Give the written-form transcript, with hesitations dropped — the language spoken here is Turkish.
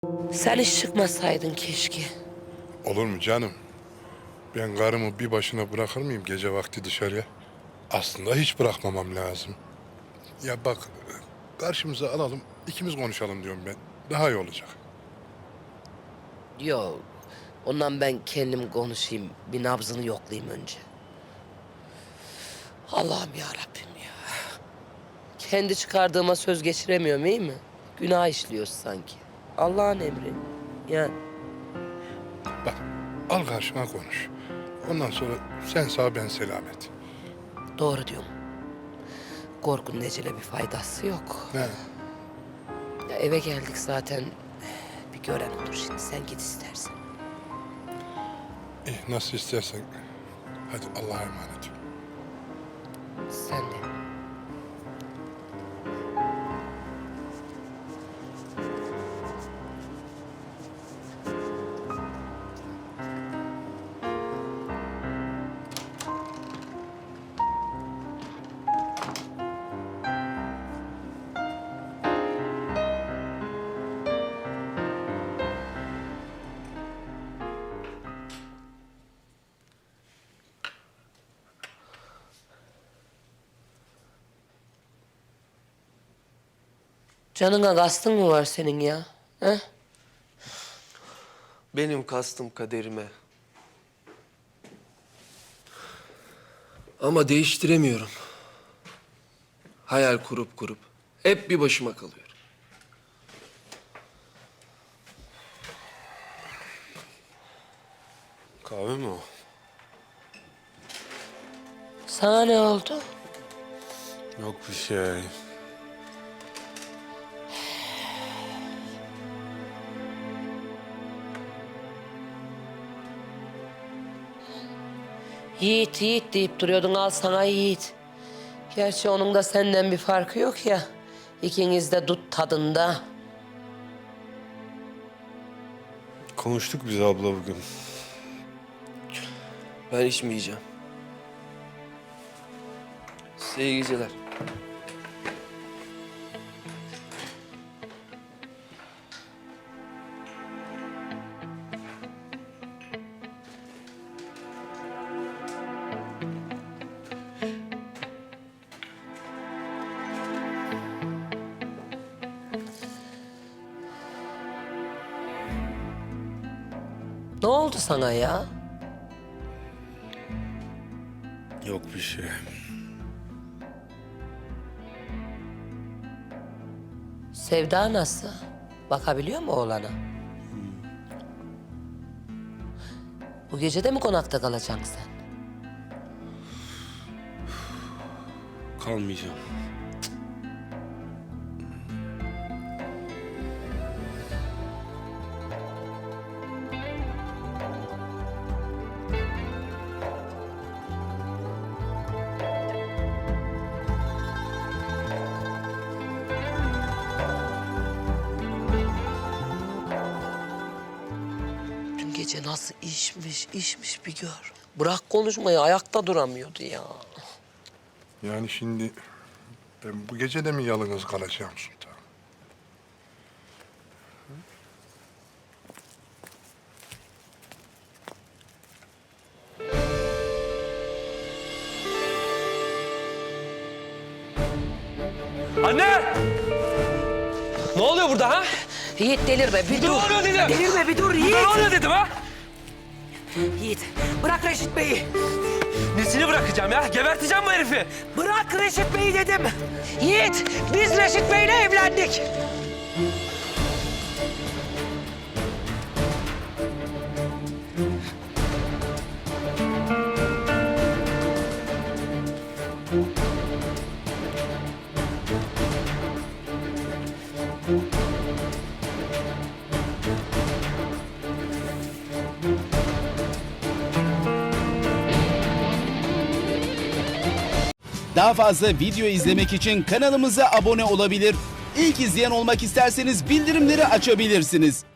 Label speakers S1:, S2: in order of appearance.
S1: Sen hiç çıkmasaydın keşke.
S2: Olur mu canım? Ben karımı bir başına bırakır mıyım gece vakti dışarıya? Aslında hiç bırakmamam lazım. Ya bak, karşımıza alalım, ikimiz konuşalım diyorum ben. Daha iyi olacak.
S1: Yok. Ondan ben kendim konuşayım. Bir nabzını yoklayayım önce. Allah'ım ya Rabbim ya. Kendi çıkardığıma söz geçiremiyorum iyi mi? Günah işliyoruz sanki. Allah'ın emri. Yani
S2: Bak, al karşına konuş. Ondan sonra sen sağ ben selamet.
S1: doğru diyorum. Korkunun ecele bir faydası yok.
S2: Ne?
S1: Ya eve geldik zaten. Bir gören olur şimdi. Sen git istersen.
S2: İyi, nasıl istersen. Hadi Allah'a emanet ol.
S1: Sen de. Canına kastın mı var senin ya? He?
S3: Benim kastım kaderime. Ama değiştiremiyorum. Hayal kurup hep bir başıma kalıyorum.
S4: Kahve mi o?
S1: Sana ne oldu?
S4: Yok bir şey.
S1: Yiğit, Yiğit deyip duruyordun. Al sana Yiğit. Gerçi onun da senden bir farkı yok ya. İkiniz de dut tadında.
S4: Konuştuk biz abla bugün.
S3: Ben içmeyeceğim. Size iyi geceler.
S1: Ne oldu sana ya?
S4: Yok bir şey.
S1: Sevda nasıl? Bakabiliyor mu oğlana? Bu gece de mi konakta kalacaksın sen?
S4: Kalmayacağım.
S1: Dün gece nasıl işmiş bir gör. Bırak konuşmayı, ayakta duramıyordu ya.
S2: Yani şimdi ben bu gece de mi yalnız kalacağım Sultan?
S3: Anne! Ne oluyor burada ha?
S1: Yiğit delirme, bir
S3: Ne
S1: dur.
S3: oluyor dedim?
S1: Delirme, bir dur Yiğit.
S3: Ne oluyor dedim ha?
S1: Yiğit, bırak Reşit Bey'i.
S3: Nesini bırakacağım ya? Geberteceğim bu herifi.
S1: Bırak Reşit Bey'i dedim. Yiğit, biz Reşit Bey'le evlendik.
S5: Daha fazla video izlemek için kanalımıza abone olabilir. İlk izleyen olmak isterseniz bildirimleri açabilirsiniz.